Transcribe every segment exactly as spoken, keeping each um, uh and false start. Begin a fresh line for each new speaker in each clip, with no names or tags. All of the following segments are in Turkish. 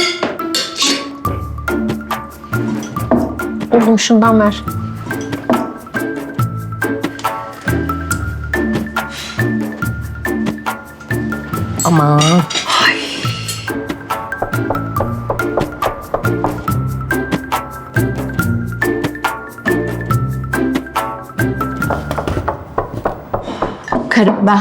Oğlum şundan ver. Aman.
Karım ben.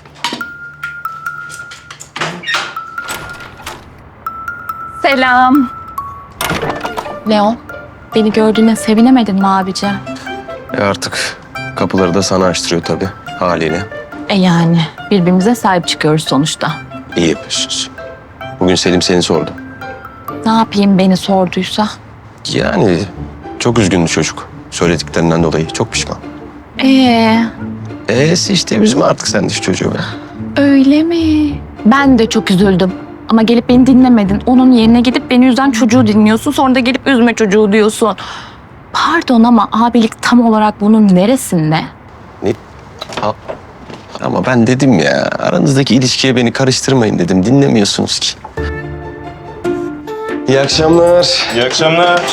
Selam. Leon, beni gördüğüne sevinemedin mi abici?
E artık kapıları da sana açtırıyor tabii haliyle.
E yani birbirimize sahip çıkıyoruz sonuçta.
İyi yapıyorsunuz. Bugün Selim seni sordu.
Ne yapayım beni sorduysa?
Yani çok üzgündü çocuk. Söylediklerinden dolayı çok pişman.
Ee,
E'si işte üzme artık sen de şu çocuğu be.
öyle mi? Ben de çok üzüldüm. Ama gelip beni dinlemedin. Onun yerine gidip beni üzen çocuğu dinliyorsun. Sonra da gelip üzme çocuğu diyorsun. Pardon ama abilik tam olarak bunun neresinde?
Ne? Ha- Ama ben dedim ya aranızdaki ilişkiye beni karıştırmayın dedim. Dinlemiyorsunuz ki. İyi akşamlar.
İyi akşamlar.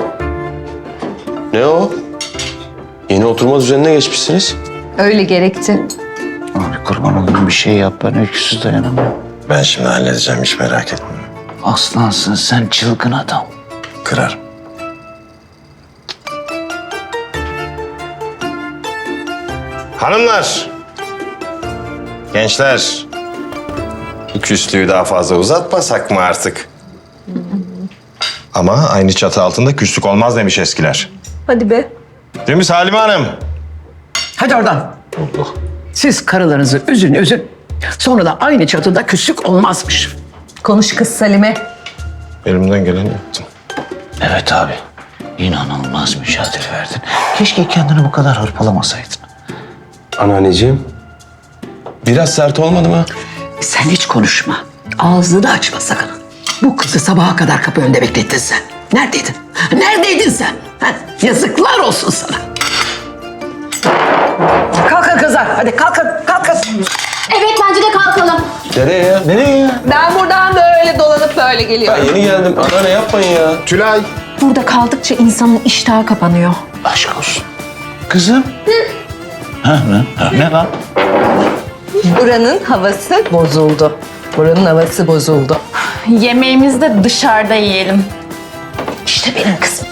Ne o? Yeni oturma düzenine geçmişsiniz.
Öyle gerekti.
Abi kurban olayım bir şey yap, ben öyküsüz dayanamam.
Ben şimdi halledeceğim, hiç merak etme.
Aslansın sen, çılgın adam.
Kırarım. Hanımlar, gençler, bu küslüğü daha fazla uzatmasak mı artık? Ama aynı çatı altında küslük olmaz demiş eskiler.
Hadi be.
Değil mi Salime Hanım?
Hadi oradan. Siz karılarınızı üzün üzün. Sonra da aynı çatıda küslük olmazmış.
Konuş kız Salime.
Elimden geleni yaptım.
Evet abi, inanılmaz mücadele verdin. Keşke kendini bu kadar hırpalamasaydın.
Anneanneciğim. Biraz sert olmadı mı?
Sen hiç konuşma. Ağzını da açma sakın. Bu kızı sabaha kadar kapı önünde beklettin sen. Neredeydin? Neredeydin sen? Ha? Yazıklar olsun sana. Kalkın kızlar. Hadi kalkın. Kalkın.
Evet bence de kalkalım.
Nereye ya? Nereye ya?
Ben buradan böyle dolanıp böyle
Ben
geliyorum.
yeni geldim. Anneanne yapmayın ya.
Tülay.
Burada kaldıkça insanın iştahı kapanıyor.
Aşk olsun. Kızım. Ha, ne? Ha, ne lan?
Buranın havası bozuldu. Buranın havası bozuldu.
Yemeğimizi de dışarıda yiyelim.
İşte benim kızım.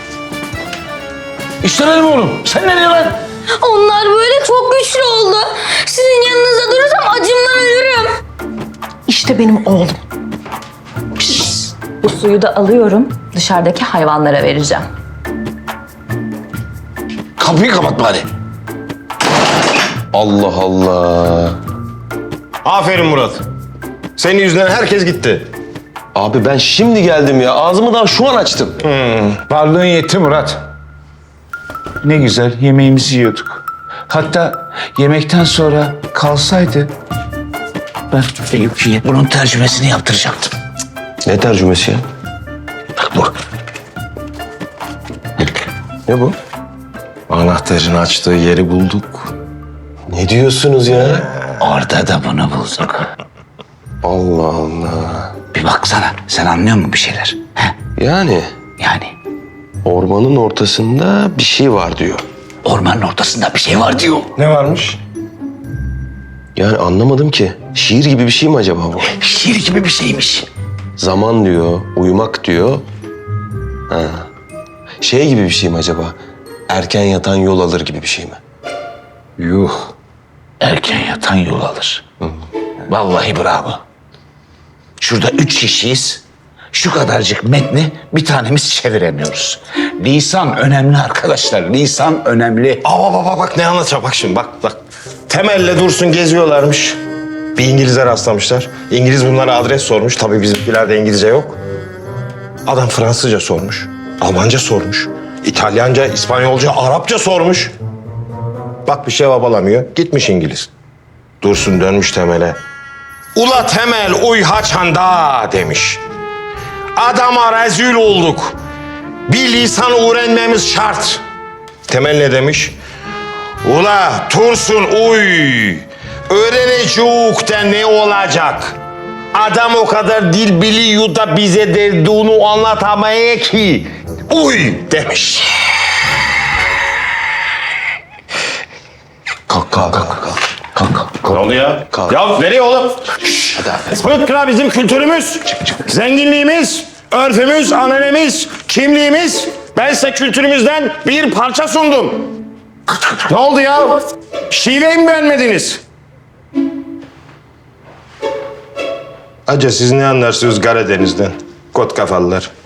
İşte benim oğlum. Sen nereye lan?
Onlar böyle çok güçlü oldu. Sizin yanınızda durursam acımdan ölürüm.
İşte benim oğlum.
Bu suyu da alıyorum. Dışarıdaki hayvanlara vereceğim.
Kapıyı kapat bari.
Allah Allah.
Aferin Murat. Senin yüzünden herkes gitti.
Abi ben şimdi geldim ya. Ağzımı daha şu an açtım.
Varlığın yetti Murat. Ne güzel yemeğimizi yiyorduk. Hatta yemekten sonra kalsaydı ben Eyüp'ye bunun tercümesini yaptıracaktım.
Ne tercümesi ya?
Bak bu.
Ne bu?
Anahtarın açtığı yeri bulduk.
Ne diyorsunuz ya?
Orada da bunu bulduk.
Allah Allah.
Bir baksana, sen anlıyor musun bir şeyler? He?
Yani
Yani
ormanın ortasında bir şey var diyor.
ormanın ortasında bir şey var diyor.
Ne varmış?
Yani anlamadım ki. Şiir gibi bir şey mi acaba bu?
Şiir gibi bir şeymiş.
Zaman diyor, uyumak diyor. Ha. Şey gibi bir şey mi acaba? Erken yatan yol alır gibi bir şey mi?
Yuh. Erken yatan yol alır. Vallahi bravo. Şurada üç kişiyiz. Şu kadarcık metni bir tanemiz çeviremiyoruz. Lisan önemli arkadaşlar. Lisan önemli.
Aa bak bak bak ne anlatacağım bak şimdi bak bak. Temel'le Dursun geziyorlarmış. Bir İngiliz'e rastlamışlar. İngiliz bunlara adres sormuş. Tabii bizimkilerde İngilizce yok. Adam Fransızca sormuş. Almanca sormuş. İtalyanca, İspanyolca, Arapça sormuş. Bak bir şey babalamıyor. Gitmiş İngiliz. Dursun dönmüş Temel'e. Ula Temel uy haçanda demiş. Adama rezil olduk. Bir lisan öğrenmemiz şart. Temel ne demiş? Ula Tursun uy. Öğrenecek de ne olacak? Adam o kadar dil biliyor da bize derdini anlatamaya ki. Uy demiş.
Kalk kalk kalk kalk. Kalk kalk.
Ne oldu ya?
Kalk.
Ya nereye oğlum?
Hadi abi.
Fıtkra bizim kültürümüz, zenginliğimiz, örfümüz, ananemiz, kimliğimiz. Ben size kültürümüzden bir parça sundum. Ne oldu ya? Şiveyi mi beğenmediniz? Acaba siz ne anlarsınız Karadeniz'den? Kot kafalılar.